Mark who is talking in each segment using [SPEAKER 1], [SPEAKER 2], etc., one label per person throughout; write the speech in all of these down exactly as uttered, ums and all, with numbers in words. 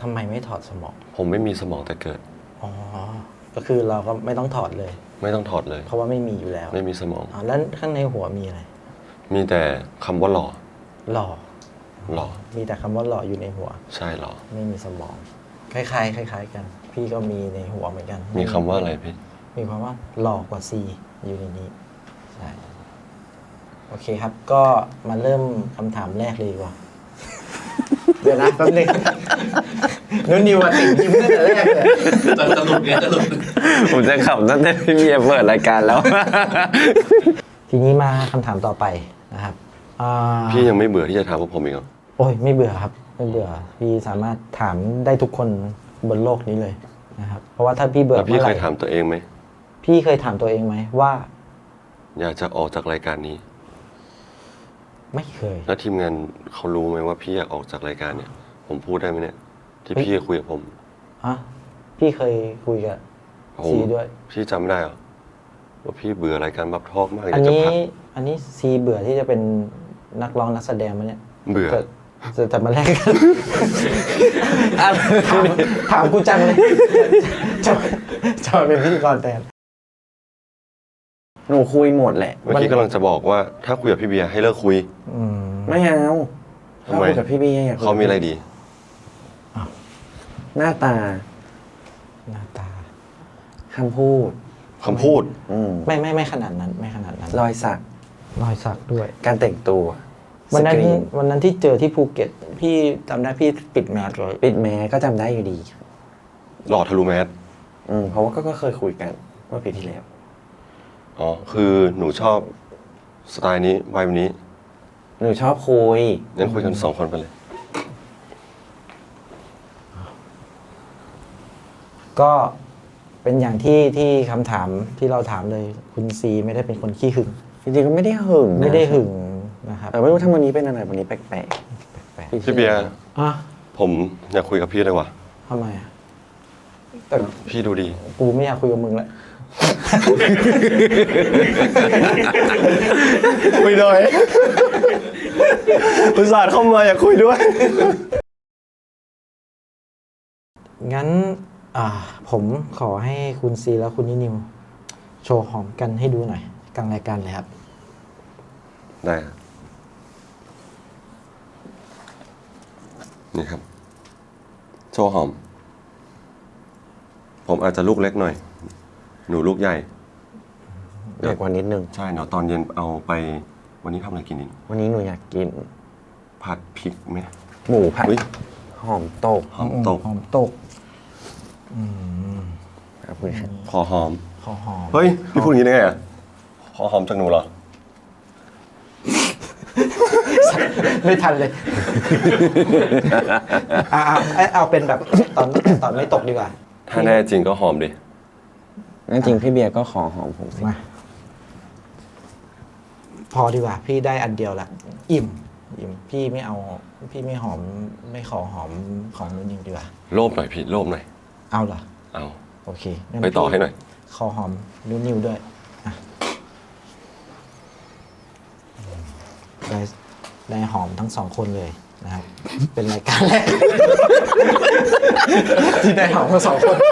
[SPEAKER 1] ำไมไม่ถอดสมอง
[SPEAKER 2] ผมไม่มีสมองแต่เกิด
[SPEAKER 1] อ๋อก็คือเราก็ไม่ต้องถอดเลย
[SPEAKER 2] ไม่ต้องถอดเลย
[SPEAKER 1] เพราะว่าไม่มีอยู่แล้ว
[SPEAKER 2] ไม่มีสมอง
[SPEAKER 1] อ๋อแล้วข้างในหัวมีอะไร
[SPEAKER 2] มีแต่คำว่าหล่อ
[SPEAKER 1] หล่อ
[SPEAKER 2] หล่อ
[SPEAKER 1] มีแต่คำว่าหล่ออยู่ในหัว
[SPEAKER 2] ใช่หล่อ
[SPEAKER 1] ไม่มีสมองคล้ายๆคล้ายๆกันพี่ก็มีในหัวเหมือนกัน
[SPEAKER 2] มีคำว่าอะไรพี่
[SPEAKER 1] มีความว่าหล่อกว่า C อยู่ในนี้ใช่โอเคครับก็มาเริ่มคำถามแรกเลยดีกว่าเดี๋ยวนะแป๊บนึงนุ่นนิวมาติดยิ้มตั้งแต่แรกเลย
[SPEAKER 3] สรุปเนี่ยสรุป
[SPEAKER 2] ผมจะขับตั้งแต่พี่เมียเปิดรายการแล้ว
[SPEAKER 1] ทีนี้มาคำถามต่อไปนะครับ
[SPEAKER 2] พี่ยังไม่เบื่อที่จะถามพวกผมอีกเหรอ
[SPEAKER 1] โอ้ยไม่เบื่อครับไม่เบื่อพี่สามารถถามได้ทุกคนบนโลกนี้เลยนะครับเพราะว่าถ้าพี่เบื่อ
[SPEAKER 2] พี่เคยถามตัวเองไหม
[SPEAKER 1] พี่เคยถามตัวเองไหมว่า
[SPEAKER 2] อยากจะออกจากรายการนี้
[SPEAKER 1] ไม่เคย
[SPEAKER 2] แล้วทีมงานเขารู้ไหมว่าพี่อยากออกจากรายการเนี่ยผมพูดได้ไหมเนี่ยที่พี่คุยกับผม
[SPEAKER 1] ฮะพี่เคยคุยกับซีด้วย
[SPEAKER 2] พี่จำได้เหรอว่าพี่เบื่อรายการบับทอกมาก
[SPEAKER 1] อันนี้อันนี้ซีเบื่อที่จะเป็นนักร้องนักแสดงมั้ยเนี่ย
[SPEAKER 2] เบื่อ
[SPEAKER 1] จะจะมาแลกกันถามถามกูจังเลยจะจะเป็นพิธีกรแทน
[SPEAKER 4] หนูคุยหมดแหละ
[SPEAKER 2] เมื่อกี้กำลังจะบอกว่าถ้าคุยกับพี่เบียร์ให้เลิกคุย
[SPEAKER 4] ไม่เอา
[SPEAKER 2] ทำไม
[SPEAKER 4] กับพี่เบียร์
[SPEAKER 2] เขามีอะไรดี
[SPEAKER 4] หน้าตา
[SPEAKER 1] หน้าตา
[SPEAKER 4] คำพูด
[SPEAKER 2] คำพูด
[SPEAKER 1] ไม่ไม่ไม่ขนาดนั้นไม่ขนาดนั้น
[SPEAKER 4] รอยสัก
[SPEAKER 1] รอยสักด้วย
[SPEAKER 4] การแต่งตัว
[SPEAKER 1] วันนั้นวันนั้นที่เจอที่ภูเก็ตพี่จำได้พี่ปิดแมสเลย
[SPEAKER 4] ปิดแมสก็จำได้อยู่ดี
[SPEAKER 2] หล่อทะลุแมส
[SPEAKER 4] อืมเพราะว่าก็เคยคุยกันเมื่อปีที่แล้ว
[SPEAKER 2] อ๋อคือหนูชอบสไตล์นี้ไวแบบนี้
[SPEAKER 4] หนูชอบคุย
[SPEAKER 2] งั้นคุยกันสองคนไปเลย
[SPEAKER 1] ก็เป็นอย่างที่ที่คำถามที่เราถามเลยคุณซีไม่ได้เป็นคนขี้หึง
[SPEAKER 4] จริงๆก็ไม่ได้หึง
[SPEAKER 1] ไม่ได้หึงนะครับ
[SPEAKER 4] แต่ไม่รู้ถ้าวันนี้เป็นอะไรวันนี้แปลก
[SPEAKER 2] ๆพี่เบียร์ผมอยากคุยกับพี่เลยว่ะ
[SPEAKER 1] ทำไมอ่ะ
[SPEAKER 2] แต่พี่ดูดี
[SPEAKER 1] กูไม่อยากคุยกับมึงแล้ว
[SPEAKER 2] คุยหน่อยอุตส่าห์เข้ามาอยากคุยด้วย
[SPEAKER 1] งั้นอ่าผมขอให้คุณซีและคุณนิวโชว์หอมกันให้ดูหน่อยกลางรายการเลยครับ
[SPEAKER 2] ได้นี่ครับโชว์หอมผมอาจจะลูกเล็กหน่อยหนูลูกใหญ่
[SPEAKER 4] เด็กกว่านิดนึง
[SPEAKER 2] ใช่เนาะตอนเย็นเอาไปวันนี้ทำอะไรกินดี
[SPEAKER 4] วันนี้หนูอยากกิน
[SPEAKER 2] ผัดพริกไหม
[SPEAKER 4] หมูผัดหอมตก
[SPEAKER 2] หอมตก
[SPEAKER 1] หอมตกอืม
[SPEAKER 2] ครับขอหอม
[SPEAKER 1] ขอหอม
[SPEAKER 2] เฮ้ยพี่พูดอย่างนี้ได้ไงอ่ะขอหอมจากหนูเหรอ
[SPEAKER 1] ไม่ทันเลยเอาเอาเอาเป็นแบบตอนตอนไม่ตกดีกว่า
[SPEAKER 2] ถ้าแน่จริงก็หอมดิ
[SPEAKER 4] งั้นจริงพี่เบียร์ก็ขอหอมผมสิ
[SPEAKER 1] มาพอดีกว่าพี่ได้อันเดียวละอิ่มอิ่มพี่ไม่เอาพี่ไม่หอมไม่ขอหอมของนุ่นนิวดีกว่า
[SPEAKER 2] โลภหน่อยพี่โลภหน่อย
[SPEAKER 1] เอาเหรอ
[SPEAKER 2] เอา
[SPEAKER 1] โอเค
[SPEAKER 2] ไปต่อให้หน่อย
[SPEAKER 1] ขอหอมนุ่นนิวด้วยได้ได้หอมทั้งสองคนเลยนะครับเป็นรายการแรกที่ได้หอมทั้งสองคน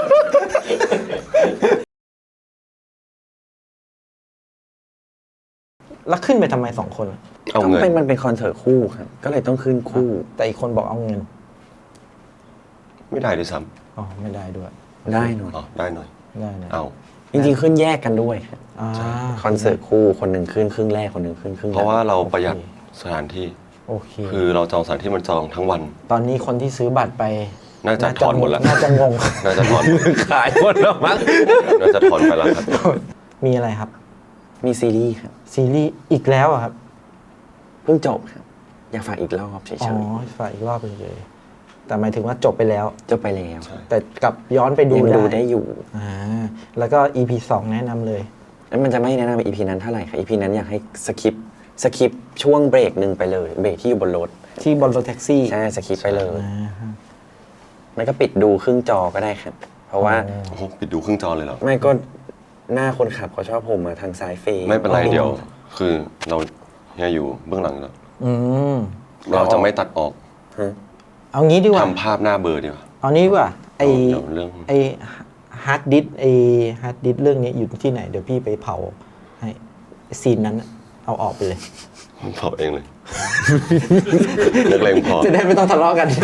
[SPEAKER 1] แล้วขึ้นไปทำไมสองคน
[SPEAKER 2] เอาเงิน
[SPEAKER 4] เป็นมันเป็นคอนเสิร์ตคู่ครับก็เลยต้องขึ้นคู่
[SPEAKER 1] แต่อีกคนบอกเอาเงิน
[SPEAKER 2] ไม่ได้ด้วยซ้
[SPEAKER 1] ำอ๋อไม่ได้ด้วย
[SPEAKER 4] ได้หน่อย
[SPEAKER 2] อ๋อได้หน่อย
[SPEAKER 1] ได้หน่อย
[SPEAKER 2] เอา
[SPEAKER 4] จริงๆขึ้นแยกกันด้วยคอนเสิร์ตคู่คนหนึ่งขึ้นครึ่งแรกคนหนึ่งขึ้นครึ่ง
[SPEAKER 2] เพราะว่าเราประหยัดสถานที่
[SPEAKER 1] โอเค
[SPEAKER 2] คือเราจองสถานที่มันจองทั้งวัน
[SPEAKER 1] ตอนนี้คนที่ซื้อบัตรไป
[SPEAKER 2] น่าจะถอนหมดแล้ว
[SPEAKER 1] น่าจะงง
[SPEAKER 2] น่าจะถอน
[SPEAKER 4] ขายหมดแล้วมั้ง
[SPEAKER 2] น่าจะถอนไปแล้วครับ
[SPEAKER 1] มีอะไรครับ
[SPEAKER 4] มีซีรีส์ครับ
[SPEAKER 1] ซีรีส์อีกแล้วครับ
[SPEAKER 4] เพิ่งจบครับอยากฝากอีกรอบเฉยๆอ๋
[SPEAKER 1] อฝากอีกรอบเฉยๆแต่หมายถึงว่าจบไปแล้ว
[SPEAKER 4] จบไปแล้ว
[SPEAKER 1] แต่กลับย้อนไปดู
[SPEAKER 4] ดูได้อยู่
[SPEAKER 1] อ่าแล้วก็ อี พี สองแนะนำเลย
[SPEAKER 4] แล้วมันจะไม่แนะนำ อี พี นั้นเท่าไหร่ค่ะ อี พี นั้นอยากให้สคิปสคิปช่วงเบรกหนึ่งไปเลยเบรกที่อยู่บนรถ
[SPEAKER 1] ที่บนรถแท็กซี่
[SPEAKER 4] ใช่สคิปไปเลยไม่ก็ปิดดูครึ่งจอก็ได้ครับเพราะว่า
[SPEAKER 2] โอ้โหปิดดูครึ่งจอเลยเหรอ
[SPEAKER 4] ไม่ก็หน้าคนขับเขาชอบผมมาทางซ้ายเฟย์
[SPEAKER 2] ไม่เป็นไรเดี๋ยวคือเราเนี่ยอยู่เบื้องหลังแล้วเราจะไม่ตัดออก
[SPEAKER 1] เอางี้ดีกว่า
[SPEAKER 2] ทำภาพหน้าเบลอร์ดีกว่า
[SPEAKER 1] เอานี้ดีกว่าไอ
[SPEAKER 2] เดี๋ยวเรื่อง
[SPEAKER 1] ไอฮาร์ดดิสไอฮาร์ดดิสเรื่องนี้อยู่ที่ไหนเดี๋ยวพี่ไปเผาให้ซีนนั้นเอาออกไปเลย
[SPEAKER 2] ผมเผาเองเลย นักเลงพอ
[SPEAKER 1] จะได้ไม่ต้องทะเลาะกัน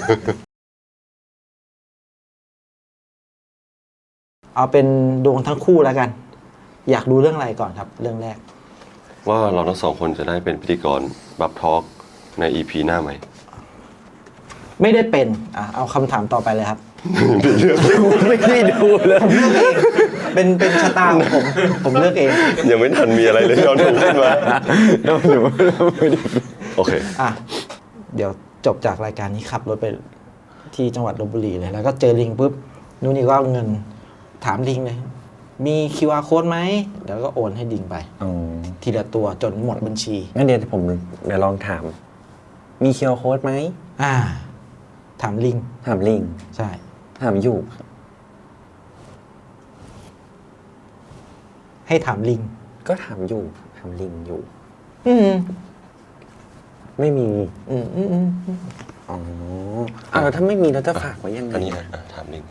[SPEAKER 1] เอาเป็นดวงทั้งคู่แล้วกัน อยากดูเรื่องอะไรก่อนครับ เรื่องแรก
[SPEAKER 2] ว่าเราทั้งสองคนจะได้เป็นพิธีกรบับทอล์กใน อี พี หน้าไหม
[SPEAKER 1] ไม่ได้เป็นอ่ะเอาคำถามต่อไปเลยครับ
[SPEAKER 4] ไม่ได้ดูเลย
[SPEAKER 1] เป็นเป็นชะตาของผม ผมเลือกเอง
[SPEAKER 2] ยังไม่ทันมีอะไรเลยย้อนดูขึ้นมา
[SPEAKER 4] เราหนูไม่ได้
[SPEAKER 2] โอเค
[SPEAKER 1] อ่ะ เดี๋ยวจบจากรายการนี้ขับรถไปที่จังหวัดลพบุรีเลย แล้วก็เจอลิงปุ๊บนู่นนี่ก็เอาเงินถามลิงเลย มี คิว อาร์ code ไหมเดี๋ยวก็โอนให้ลิงไป
[SPEAKER 4] อ๋อ
[SPEAKER 1] ทีละตัวจนหมดบัญชี
[SPEAKER 4] งั้นเดี๋ยวผมเดี๋ยวลองถาม มีเคียวโค้ดไหม
[SPEAKER 1] อ่า ถามลิง
[SPEAKER 4] ถามลิง
[SPEAKER 1] ใช่
[SPEAKER 4] ถามอยู่
[SPEAKER 1] ให้ถามลิง
[SPEAKER 4] ก็ถามอยู่ ถามลิงอยู่
[SPEAKER 1] อืม
[SPEAKER 4] ไม่มี
[SPEAKER 1] อืมอืมอืม
[SPEAKER 4] อ๋ออ้าวแล้วถ้าไม่มีเราจะฝากไว้ยังไง
[SPEAKER 2] อันนี้
[SPEAKER 4] อะ
[SPEAKER 2] นะอ่ะถามลิงไป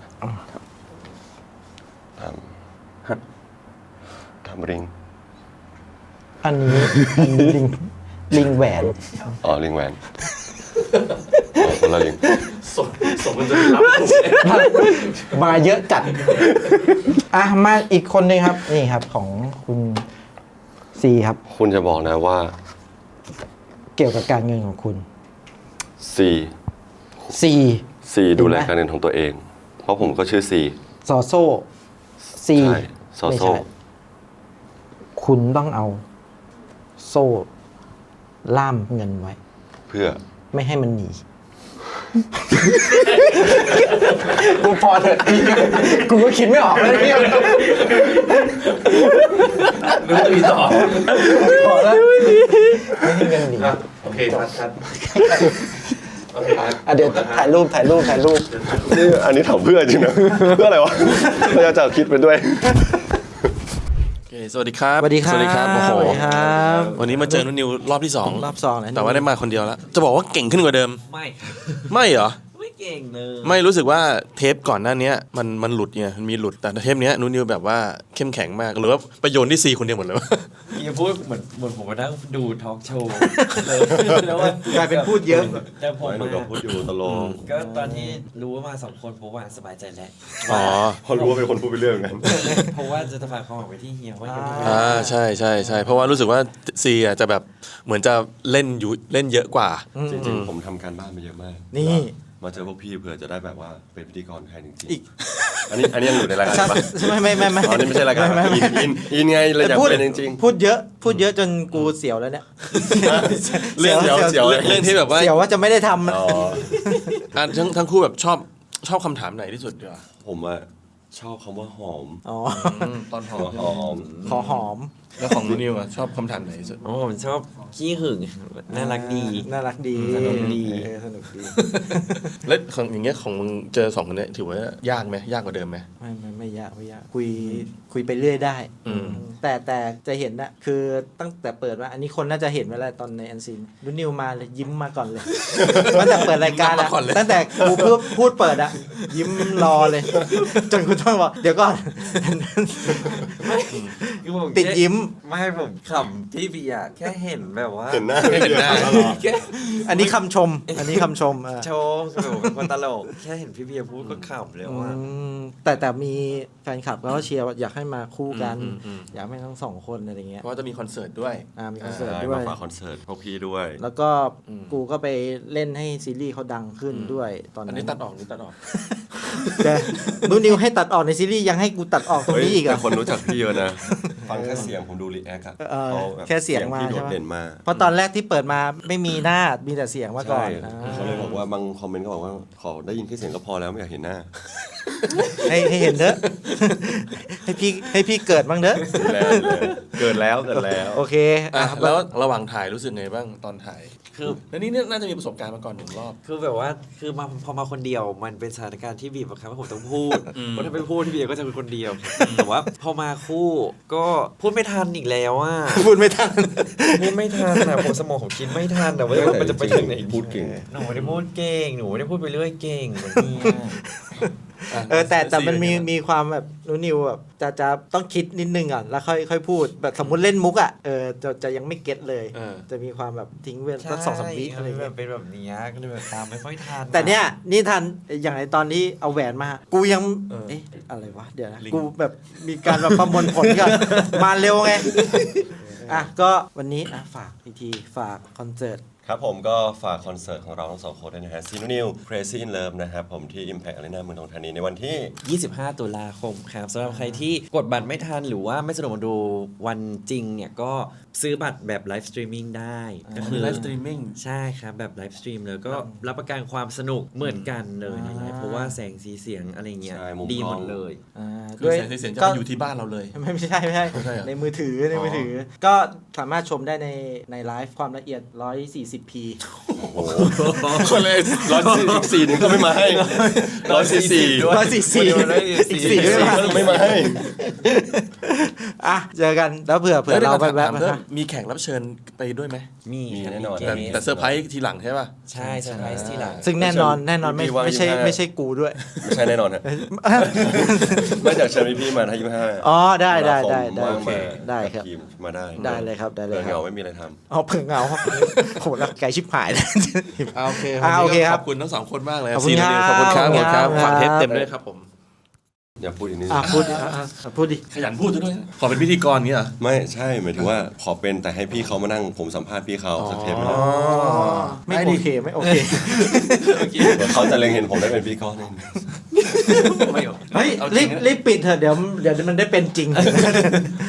[SPEAKER 2] ถาม
[SPEAKER 4] ฮะ
[SPEAKER 2] ถามลิง
[SPEAKER 1] อันนี้อันนี้ลิง ลิงแหวน
[SPEAKER 2] อ๋อลิงแหวนอ๋อคนละลิง
[SPEAKER 3] สมสมมันจะรับผม
[SPEAKER 1] มาเยอะจัด อ่ะ มาอีกคนหนึงครับ นี่ครับของคุณซีครับ
[SPEAKER 2] คุณจะบอกนะว่า
[SPEAKER 1] เกี่ยวกับการเงินของคุณ
[SPEAKER 2] ซี
[SPEAKER 1] ซี
[SPEAKER 2] ซีดูแลการเงินของตัวเอง เพราะผมก็ชื่อซี
[SPEAKER 1] ซอโซ่ซี
[SPEAKER 2] ใช่ซอโซ่
[SPEAKER 1] ไม่ใช่คุณต้องเอาโซ่ล่ามเงินไว้
[SPEAKER 2] เพื่อ
[SPEAKER 1] ไม่ให้มันหนี กูพอเถอะกูก็คิดไม่ออกแล้วเนี่ย
[SPEAKER 3] รู้จะมีต่อ
[SPEAKER 1] พอแล้วไม่ให้เงินหนี
[SPEAKER 3] อ่ะโอเคชัดชัดโอเคครับ
[SPEAKER 1] อ่ะเดี๋ยวถ่ายรูปถ่ายรูปถ่ายรูป
[SPEAKER 2] นี่อันนี้ถามเพื่อจริงนะ เพื่ออะไรวะเราจะคิดไปด้วย
[SPEAKER 3] โอเคสวัสดีครับ
[SPEAKER 1] สวัสดีครับ
[SPEAKER 3] สวัสดีครับโอ้โห
[SPEAKER 1] สวัสดีครับ
[SPEAKER 3] วันนี้มาเจอนุ่นนิวรอบที่สอง
[SPEAKER 1] รอบสองแล้ว
[SPEAKER 3] แต่ว่าได้มาคนเดียวแล้ว จะบอกว่าเก่งขึ้นกว่าเดิม
[SPEAKER 5] ไม่
[SPEAKER 3] ไม่เหรอ
[SPEAKER 5] ไม่เก่งเลย
[SPEAKER 3] ไม่รู้สึกว่าเทปก่อนหน้านี้มันมันหลุดไงมันมีหลุดแต่เทปเนี้ยนุ่นนิวแบบว่าเข้มแข็งมากหรือว่าประโยชน์ที่ซีคนเดียวหมดเลยวะ
[SPEAKER 5] อย่าพูดเหมือนเหมือนผมมานั่งดูทอล์กโชว์เลยแล้วว่าก
[SPEAKER 1] ลายเป็นพูดเยอะ
[SPEAKER 5] แต่ผม
[SPEAKER 2] ไม่
[SPEAKER 5] มา
[SPEAKER 2] ก็พูดอยู่ตลก
[SPEAKER 5] ก็ตอนที่รู้ว่ามาสองคนผมว่าสบายใจแล้ว
[SPEAKER 3] อ๋อ
[SPEAKER 2] พอรู้ว่าเป็นคนพูดไปเรื่อยเหมือนกัน
[SPEAKER 5] เพราะว่าจะฝากความหวังไว้ที่เฮียว่าอย่าพูด
[SPEAKER 3] อ่าใช่ใช่ใช่เพราะว่ารู้สึกว่าซีอ่ะจะแบบเหมือนจะเล่นอยู่เล่นเยอะกว่า
[SPEAKER 2] จริงๆ ผมทำการบ้านมาเยอะมาก
[SPEAKER 1] นี่
[SPEAKER 2] มาเจอพวกพี่เผื่อจะได้แบบว่าเป็นพิธีกรแทนจริง
[SPEAKER 1] อีก
[SPEAKER 2] ๆอันนี้อันนี้ยังอยู่ในรายการปะ
[SPEAKER 1] ไม่ไม่ไม่ไม่
[SPEAKER 2] อ๋อนี่ไม่ใช่รายการ
[SPEAKER 1] ไม่ไม่
[SPEAKER 2] อินอินอินไงเลยอยาก
[SPEAKER 1] พูด
[SPEAKER 2] เป็นจริง
[SPEAKER 1] พูดเยอะ พูดเยอะจนกูเสียวแล้วเนี่ย
[SPEAKER 2] เรื่องเสียวเสียว
[SPEAKER 3] เรื่องเรื่องที่แบบว่า
[SPEAKER 1] เสียวว่าจะไม่ได้ทำ
[SPEAKER 2] ๆอ๋อ
[SPEAKER 3] อ่ะทั้งทั้งคู่แบบชอบชอบคำถามไหนที่สุดดีกว่า
[SPEAKER 2] ผมอะชอบคำว่าหอม
[SPEAKER 1] อ๋อ
[SPEAKER 3] ตอนหอ
[SPEAKER 2] หอม
[SPEAKER 1] ขอหอม
[SPEAKER 3] แล้วของนุ่นนิวอ่ะชอบคำถามไหนที่สุด
[SPEAKER 5] โอ้ผมชอบขี้หึงน่ารักดี
[SPEAKER 1] น่ารักดี
[SPEAKER 5] สนุกดี
[SPEAKER 1] เออสนุกดี
[SPEAKER 3] แล้วของอย่างเงี้ยของมึงเจอสองคนเนี้ยถือว่ายากไหมยากกว่าเดิมไหม
[SPEAKER 1] ไม่ไม่ไม่ยากไม่ยากคุยคุยไปเรื่อยได้
[SPEAKER 3] อืม
[SPEAKER 1] แต่แต่จะเห็นนะคือตั้งแต่เปิดว่า อันนี้คนน่าจะเห็นไว้แล้วตอนในอันซีนรุ่นนิวมาเลยยิ้มมาก่อนเลย ตั้งแต่เปิดรายการอะตั้งแต่กูพูดพูดเปิดอะยิ้มรอเลย จนกูต้องบอกเดี๋ยวก่อน
[SPEAKER 5] คือผม
[SPEAKER 1] ติดยิ้ม
[SPEAKER 5] ไม่ผมขำพี่บีอะแค่เห็นแบบว่า
[SPEAKER 2] เห็นหน้า
[SPEAKER 3] ไม่เห็นหน้า
[SPEAKER 5] แค่
[SPEAKER 1] อันนี้คำชม อันนี้คำชมเออ
[SPEAKER 5] โชว์คือผมเป็นคนตลกแค่เห็นพี่เบียร์พูดก็ขำเลยว่า
[SPEAKER 1] อืมแต่แต่มีแฟนคลับเขาก็เชียร์ว่าอยากให้มาคู่กัน
[SPEAKER 3] อืมอืม
[SPEAKER 1] อยากให้ทั้งสองคนอะไรเงี้ย
[SPEAKER 3] เพราะว่าจะมีคอนเสิร์ตด้วย
[SPEAKER 1] อ่ามีคอนเสิร์ต
[SPEAKER 2] ใช่
[SPEAKER 1] ด้ว
[SPEAKER 2] มาย ฝากคอนเสิร์ตพวกพี่ด้วย
[SPEAKER 1] แล้วก็
[SPEAKER 3] อืม
[SPEAKER 1] กูก็ไปเล่นให้ซีรีส์เขาดังขึ้น
[SPEAKER 3] อืม
[SPEAKER 1] ด้วยตอน
[SPEAKER 3] อัน
[SPEAKER 1] นั้
[SPEAKER 3] นี้
[SPEAKER 1] น
[SPEAKER 3] ตัดออกนี่ตัดออก
[SPEAKER 1] แต่นูนิวให้ตัดออกในซีรีส์ยังให้กูตัดออกตรง
[SPEAKER 2] เฮ้ย
[SPEAKER 1] นี้อีกเหร
[SPEAKER 2] แต่
[SPEAKER 1] อ่ะ
[SPEAKER 2] คนรู้จักพี่เยอะนะ ฟังแค่เสียงผมดูรีแอคอะ
[SPEAKER 1] เออ
[SPEAKER 2] ขาบบ
[SPEAKER 1] แค่เสียงมา
[SPEAKER 2] พี่โด
[SPEAKER 1] ใช่
[SPEAKER 2] ด
[SPEAKER 1] ปะ
[SPEAKER 2] เด่นมาก
[SPEAKER 1] เพราะตอนแรกที่เปิดมาไม่มีหน้ามีแต่เสียงมาก่อ
[SPEAKER 2] ใช่
[SPEAKER 1] นอ่า
[SPEAKER 2] เขาเลยบอกว่าบางคอมเมนต์ก็บอกว่าขอได้ยินแค่เสียงก็พอแล้วไม่อยากเห็นหน้า
[SPEAKER 1] ให้ให้เห็นเถอะ ให้พี่ให้พี่เกิดบ้างเถอะ
[SPEAKER 2] แล้วเกิดแล้วเกิดแล้ว
[SPEAKER 1] โอเค
[SPEAKER 3] อ่ะ
[SPEAKER 1] อ่ะ
[SPEAKER 3] แล้วระหว่างถ่ายรู้สึกไงบ้างตอนถ่าย
[SPEAKER 5] คือ
[SPEAKER 3] แล้วนี่เนี่ยน่าจะมีประสบการณ์มาก่อนหนึ่งรอบ
[SPEAKER 5] คือแบบว่าคือมาพอมาคนเดียวมันเป็นสถานการณ์ที่บีบบังคับให้ผมต้องพูด
[SPEAKER 3] อืม
[SPEAKER 5] เพราะถ้าไม่พูดพี่เบียร์ก็จะเป็นคนเดียวแต่ว่าพอมาคู่ก็พูดไม่ทันอีกแล้วอ่ะ
[SPEAKER 1] พูดไม่ทัน
[SPEAKER 5] พูดไม่ทันนะผมสมองผมคิดไม่ทันแต่ว่ามันจะไปถึงไหน
[SPEAKER 2] พูดเก่ง
[SPEAKER 5] หนูไม่ได้พูดเก่งหนูไม่ได้พูดไปเรื่อยเก่งเหมือนเมีย
[SPEAKER 3] ะ
[SPEAKER 1] เออแต่แต่มันมี
[SPEAKER 3] ซีเป็ไง
[SPEAKER 1] มีความแบบนูนิวแบบจะจะต้องคิดนิดนึงก่อนแล้วค่อยค่อยพูดแบบสมมติเล่นมุกอ่ะเออจะจะยังไม่เก็ตเลย
[SPEAKER 3] เออ
[SPEAKER 1] จะมีความแบบทิ้งเว้นสักสองสามวิอะไร
[SPEAKER 5] แบ
[SPEAKER 1] เงี้
[SPEAKER 5] บ
[SPEAKER 1] ย
[SPEAKER 5] เป็นแบบนี้ก็เลยแบบตามไม่ค่อยทัน
[SPEAKER 1] แต่เนี้ยนี่ทันอย่างในตอนที่เอาแหวนมา กูยัง
[SPEAKER 3] เออ
[SPEAKER 1] เอ๊ะอะไรวะเดี๋ยวนะ
[SPEAKER 3] ลิง
[SPEAKER 1] กูแบบมีการแบบประมวลผลก่อน มาเร็วไงอ่ะก็วันนี้อ่ะฝากอีกทีฝากคอนเสิร์ต
[SPEAKER 2] ครับผมก็ฝากคอนเสิร์ตของเราทั้งสองคนด้วยนะฮะซีนูนิว Crazy in Love นะครับผมที่ Impact Arena เมืองทองธานีในวันที่
[SPEAKER 5] ยี่สิบห้าตุลาคมครับสำหรับใครที่กดบัตรไม่ทันหรือว่าไม่สะดวกมาดูวันจริงเนี่ยก็ซื้อบัตรแบบไลฟ์สตรีมมิ่งได้ก็
[SPEAKER 3] ก็
[SPEAKER 5] คื
[SPEAKER 3] คือ อไลฟ์สตรีมมิ่ง
[SPEAKER 5] ใช่ครับ แบบไลฟ์สตรีมเลยก็รับประกันความสนุกเหมือนกันเลยในไลฟ์เพราะว่าแสงสีเสียงอะไรเงี้ย
[SPEAKER 2] ใช่มุม
[SPEAKER 5] ดีหม
[SPEAKER 2] กล้
[SPEAKER 5] ด
[SPEAKER 2] อง
[SPEAKER 5] เลย
[SPEAKER 1] อ่า
[SPEAKER 3] คือแสงสีเสียงจะไปอยู่ที่บ้านเราเลย
[SPEAKER 1] ไม่ไม่ใช่ไม่ใช่
[SPEAKER 3] ไม่ใช่เหรอ
[SPEAKER 1] ในมือถือในมือถือ ก็สามารถชมได้ในในไลฟ์ความละเอียด หนึ่งร้อยสี่สิบพี
[SPEAKER 3] คนเลย
[SPEAKER 2] ร้อยอีกสี่หนึ่งก็ไม่มาให้ร้อยสี่สี่
[SPEAKER 5] ด้วย
[SPEAKER 1] ร้อยสี่สี่
[SPEAKER 5] วันนี้
[SPEAKER 1] อีกสี่ไม่มา
[SPEAKER 2] ไม่มาให้
[SPEAKER 1] อ่ะเจอกันแล้วเผื่อเผื่อเราไปแวะ
[SPEAKER 3] ถาม
[SPEAKER 1] มา
[SPEAKER 3] เพิ่ม
[SPEAKER 1] ค่ะ
[SPEAKER 3] มีแขกรับเชิญไปด้วยไหม
[SPEAKER 5] มี
[SPEAKER 2] มี
[SPEAKER 5] ครับ
[SPEAKER 2] แน่นอน
[SPEAKER 5] เก
[SPEAKER 3] แต่
[SPEAKER 5] ม
[SPEAKER 3] แต่เซอร์ไพรส์ทีหลังใช่ป่ะ
[SPEAKER 5] ใช่เซอร์ไพรส์ที่หลัง
[SPEAKER 1] ซึ่งแน่นอนแน่นอนไม่
[SPEAKER 2] พี่ว่า
[SPEAKER 1] ไม่ใช่
[SPEAKER 2] ยี่สิบห้า
[SPEAKER 1] ไม่ใช่กูด้วย
[SPEAKER 2] ไม่ใช่แน่นอนฮะไม่อยากเชิญพี่ๆมาถ้ายี่สิบห้า
[SPEAKER 1] อ๋อได้ได้ได้ได้
[SPEAKER 2] ว่าง
[SPEAKER 1] โอเค
[SPEAKER 2] มา
[SPEAKER 1] ได้ครับ
[SPEAKER 2] ทีมมาได้
[SPEAKER 1] ได้เลยครับได้เลย
[SPEAKER 2] เบื่อ
[SPEAKER 1] ค
[SPEAKER 2] เห
[SPEAKER 1] รับ
[SPEAKER 2] งาไม่มีอะไรทำ
[SPEAKER 1] เอาเผื่อเหงาโหแล้วไกลชิบหายเลย
[SPEAKER 3] อ่าโอเค
[SPEAKER 1] อ่าโอเคครับ
[SPEAKER 3] ขอบคุณทั้งสองคนมากเลย
[SPEAKER 1] ขอบคุณ
[SPEAKER 3] ซีนูนิว
[SPEAKER 1] ครับ
[SPEAKER 3] ขอบคุณครับขอบคุณครับ
[SPEAKER 1] ครับ
[SPEAKER 3] ฝากเทปเต็มด้วยครับผม
[SPEAKER 2] อย่าพูดอีกนิด
[SPEAKER 1] อ่ะพูดดิอ่ะอ่ะอ่ะพูดดิ
[SPEAKER 3] ขยันพูดซะด้วยนะขอเป็นพิธีกรเงี้ยเหรอ
[SPEAKER 2] ไม่ใช่หมายถึงว่าขอเป็นแต่ให้พี่เขามานั่งผมสัมภาษณ์พี่เขาสักเทปหนึง
[SPEAKER 3] อ๋อ
[SPEAKER 1] ไม่
[SPEAKER 3] ได้
[SPEAKER 1] โอ
[SPEAKER 3] ดิ
[SPEAKER 1] เคไม่โอเค
[SPEAKER 2] เดี๋ยวเขาจะเล็งเห็นผมได้เป็นพิธีกรเอง
[SPEAKER 5] ไม่
[SPEAKER 1] เฮ้ย
[SPEAKER 3] เอาจริ
[SPEAKER 1] รี
[SPEAKER 3] ง
[SPEAKER 1] บ
[SPEAKER 3] นะ
[SPEAKER 1] รีบปิดเถอะเดี๋ยวเดี๋ยวมันได้เป็นจริง